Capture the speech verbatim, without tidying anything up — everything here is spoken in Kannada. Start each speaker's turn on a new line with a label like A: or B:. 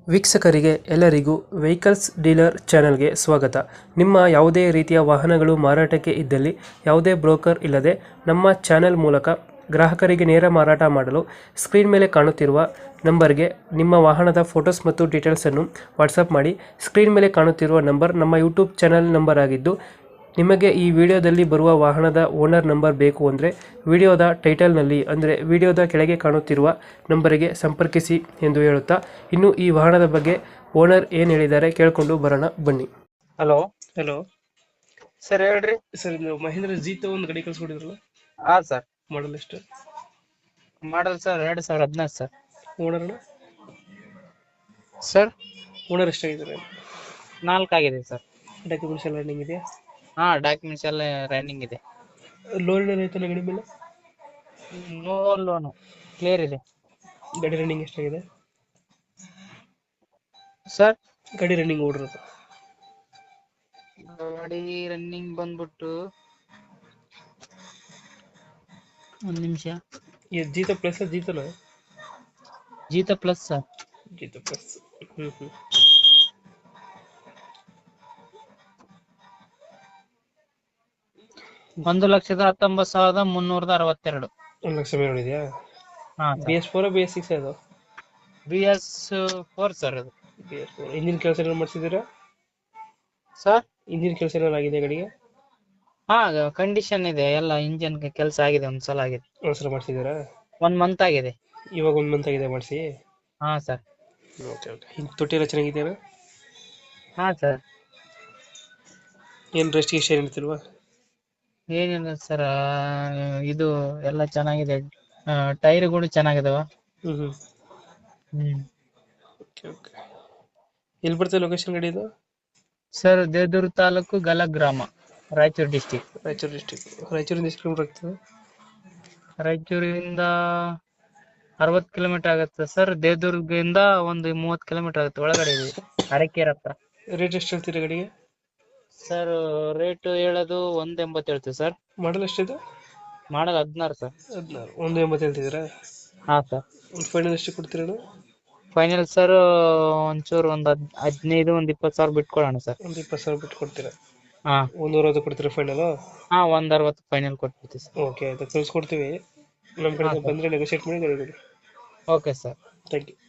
A: ವೀಕ್ಷಕರಿಗೆ ಎಲ್ಲರಿಗೂ ವೆಹಿಕಲ್ಸ್ ಡೀಲರ್ ಚಾನೆಲ್ಗೆ ಸ್ವಾಗತ. ನಿಮ್ಮ ಯಾವುದೇ ರೀತಿಯ ವಾಹನಗಳು ಮಾರಾಟಕ್ಕೆ ಇದ್ದಲ್ಲಿ ಯಾವುದೇ ಬ್ರೋಕರ್ ಇಲ್ಲದೆ ನಮ್ಮ ಚಾನೆಲ್ ಮೂಲಕ ಗ್ರಾಹಕರಿಗೆ ನೇರ ಮಾರಾಟ ಮಾಡಲು ಸ್ಕ್ರೀನ್ ಮೇಲೆ ಕಾಣುತ್ತಿರುವ ನಂಬರ್ಗೆ ನಿಮ್ಮ ವಾಹನದ ಫೋಟೋಸ್ ಮತ್ತು ಡೀಟೇಲ್ಸನ್ನು ವಾಟ್ಸಪ್ ಮಾಡಿ. ಸ್ಕ್ರೀನ್ ಮೇಲೆ ಕಾಣುತ್ತಿರುವ ನಂಬರ್ ನಮ್ಮ ಯೂಟ್ಯೂಬ್ ಚಾನೆಲ್ ನಂಬರ್ ಆಗಿದ್ದು, ನಿಮಗೆ ಈ ವಿಡಿಯೋದಲ್ಲಿ ಬರುವ ವಾಹನದ ಓನರ್ ನಂಬರ್ ಬೇಕು ಅಂದರೆ ವಿಡಿಯೋದ ಟೈಟಲ್ನಲ್ಲಿ ಅಂದರೆ ವಿಡಿಯೋದ ಕೆಳಗೆ ಕಾಣುತ್ತಿರುವ ನಂಬರಿಗೆ ಸಂಪರ್ಕಿಸಿ ಎಂದು ಹೇಳುತ್ತಾ, ಇನ್ನು ಈ ವಾಹನದ ಬಗ್ಗೆ ಓನರ್ ಏನು ಹೇಳಿದ್ದಾರೆ ಕೇಳಿಕೊಂಡು ಬರೋಣ ಬನ್ನಿ.
B: ಹಲೋ
A: ಹಲೋ
B: ಸರ್, ಹೇಳ್ರಿ.
A: ಸರ್, ಇದು ಮಹೇಂದ್ರ ಜೀತ ಒಂದು ಗಾಡಿ ಕಳಿಸ್ಕೊಡಿದ್ರಲ್ಲ,
B: ಹಾ ಸರ್,
A: ಮಾಡಲ್ ಎಷ್ಟು?
B: ಮಾಡಲ್ ಸರ್ ಎರಡ್ ಸಾವಿರ ಹದಿನಾರು ಸರ್.
A: ಓನರ್ನ
B: ಸರ್
A: ಓನರ್ ಎಷ್ಟಾಗಿದ್ದಾರೆ?
B: ನಾಲ್ಕು ಆಗಿದೆ ಸರ್.
A: ಡಾಕ್ಯುಮೆಂಟ್ಸ್ ಎಲ್ಲ ರನ್ನಿಂಗ್ ಇದೆಯಾ?
B: ಹಾ, ಡಾಕ್ಯುಮೆಂಟ್ಸ್ ಎಲ್ಲ ರನ್ನಿಂಗ್ ಇದೆ.
A: ಲೋನ್ ಏನಾರು ಆಯ್ತಾನ ಗಾಡಿ ಮೇಲೆ?
B: ನೋ ಲೋನು ಕ್ಲಿಯರ್ ಇದೆ.
A: ಗಾಡಿ ರನ್ನಿಂಗ್ ಎಷ್ಟಾಗಿದೆ
B: ಸರ್
A: ಗಾಡಿ ರನ್ನಿಂಗ್ ಓಡಿರೋದು?
B: ಗಾಡಿ ರನ್ನಿಂಗ್ ಬಂದ್ಬಿಟ್ಟು ಒಂದ್ ನಿಮಿಷ.
A: ಜೀತ ಪ್ಲಸ್ ಜೀತನ
B: Jeeto plus sir.
A: Jeeto plus. ಹ್ಮ್ ಹ್ಮ್
B: ಒಂದು ಲಕ್ಷದ ಹತ್ತೊಂಬತ್ತು ಸಾವಿರದ ಮುನ್ನೂರದ ಅರವತ್ತೆರಡು.
A: ಒಂದು ಲಕ್ಷ ಮೇಲೆ ನೋಡಿದ್ಯಾ?
B: ಹಾ,
A: B S four B S six ಅದು?
B: ಬಿ ಎಸ್ ಫೋರ್ ಸರ್ ಅದು.
A: B S four. ಇಂಜಿನ್ ಕೆಲಸ ಏನಾದ್ರು ಮಾಡಿಸಿದ್ದೀರಾ?
B: ಸರ್
A: ಇಂಜಿನ್ ಕೆಲಸ ಏನಾದ್ರು ಆಗಿದೆ ಗಾಡಿಗೆ?
B: ಹಾ, ಕಂಡೀಷನ್ ಇದೆ ಎಲ್ಲ. ಇಂಜಿನ್ ಕೆಲಸ ಆಗಿದೆ, ಒಂದ್ಸಲ ಆಗಿದೆ.
A: ಒಂದ್ಸಲ ಮಾಡಿಸಿದ್ದೀರಾ?
B: ಒನ್ ಮಂತ್ ಆಗಿದೆ.
A: ಇವಾಗ ಒಂದು ಮಂತ್ ಆಗಿದೆ ಮಾಡಿಸಿ?
B: ಹಾ ಸರ್.
A: Okay okay. ಇನ್ನು ತೊಟ್ಟಿ ಎಲ್ಲ ಚೆನ್ನಾಗಿದೆಯಾ?
B: ಹಾ ಸರ್.
A: ಏನು ರೆಸ್ಟ್ ಗಿಸ್ಟ್ ಏನು ಇರ್ತಿಲ್ವಾ?
B: ಏನಿಲ್ಲ ಸರ್, ಇದು ಎಲ್ಲ ಚೆನ್ನಾಗಿದೆ. ಟೈರ್ಗಳು ಚೆನ್ನಾಗಿದಾವ.
A: ಹ್ಮ್ ಹ್ಮ್
B: ಹ್ಮ್
A: ಓಕೆ ಓಕೆ. ಎಲ್ಲಿ ಬರ್ತದೆ ಲೊಕೇಶನ್ ಗಾಡಿ ಇದು?
B: ಸರ್, ದೇವದುರ್ಗ ತಾಲೂಕು ಗಲ ಗ್ರಾಮ, ರಾಯಚೂರು ಡಿಸ್ಟಿಕ್.
A: ರಾಯಚೂರು ಡಿಸ್ಟಿಕ್. ರಾಯಚೂರಿಂದ ಎಷ್ಟು ಕಿಲೋಮೀಟರ್ ಆಗ್ತದೆ?
B: ರಾಯಚೂರಿಂದ ಅರವತ್ತು ಕಿಲೋಮೀಟರ್ ಆಗುತ್ತೆ ಸರ್. ದೇವದುರ್ಗದಿಂದ ಒಂದು ಮೂವತ್ತು ಕಿಲೋಮೀಟರ್ ಆಗುತ್ತೆ. ಒಳಗಡೆ ಇದೆ, ಅರಕೇರ್ ಹತ್ರ.
A: ರೇಟ್ ಎಷ್ಟು ಹೇಳ್ತೀರಾ ಗಾಡಿಗೆ?
B: ಸರ್, ರೇಟ್ ಹೇಳೋದು ಒಂದ್ ಎಂಬತ್ತು ಹೇಳ್ತೀವಿ ಸರ್.
A: ಮಾಡಲ್ ಎಷ್ಟಿದೆ?
B: ಮಾಡಲ್ ಹದಿನಾರು ಸರ್.
A: ಹದಿನಾರು. ಒಂದು ಎಂಬತ್ತು ಹೇಳ್ತಿದ್ದೀರಾ?
B: ಹಾ ಸರ್.
A: ಒಂದು ಫೈನಲ್ ಎಷ್ಟು ಕೊಡ್ತೀರಾ?
B: ಫೈನಲ್ ಸರ್ ಒಂಚೂರು ಒಂದ್ ಹದ್ ಹದಿನೈದು ಒಂದ್ ಇಪ್ಪತ್ತು ಸಾವಿರ ಬಿಟ್ಕೊಡೋಣ ಸರ್.
A: ಒಂದು ಇಪ್ಪತ್ತು ಸಾವಿರ ಬಿಟ್ಟು ಕೊಡ್ತೀರಾ?
B: ಹಾ,
A: ಒಂದು ಅರವತ್ತು ಕೊಡ್ತೀರಾ ಫೈನಲ್?
B: ಹಾ, ಒಂದ್ ಅರವತ್ತು ಫೈನಲ್ ಕೊಟ್ಬಿಡ್ತೀವಿ ಸರ್.
A: ಓಕೆ ಆಯ್ತು, ಕಳ್ಸ್ಕೊಡ್ತೀವಿ. ನಮ್ಮ ಕಡೆಯಿಂದ ಬಂದರೆ ನೆಗೋಷಿಯೇಟ್ ಮಾಡಿ ಗಾಡಿ ಕೊಡಿ.
B: Okay sir.
A: Thank you.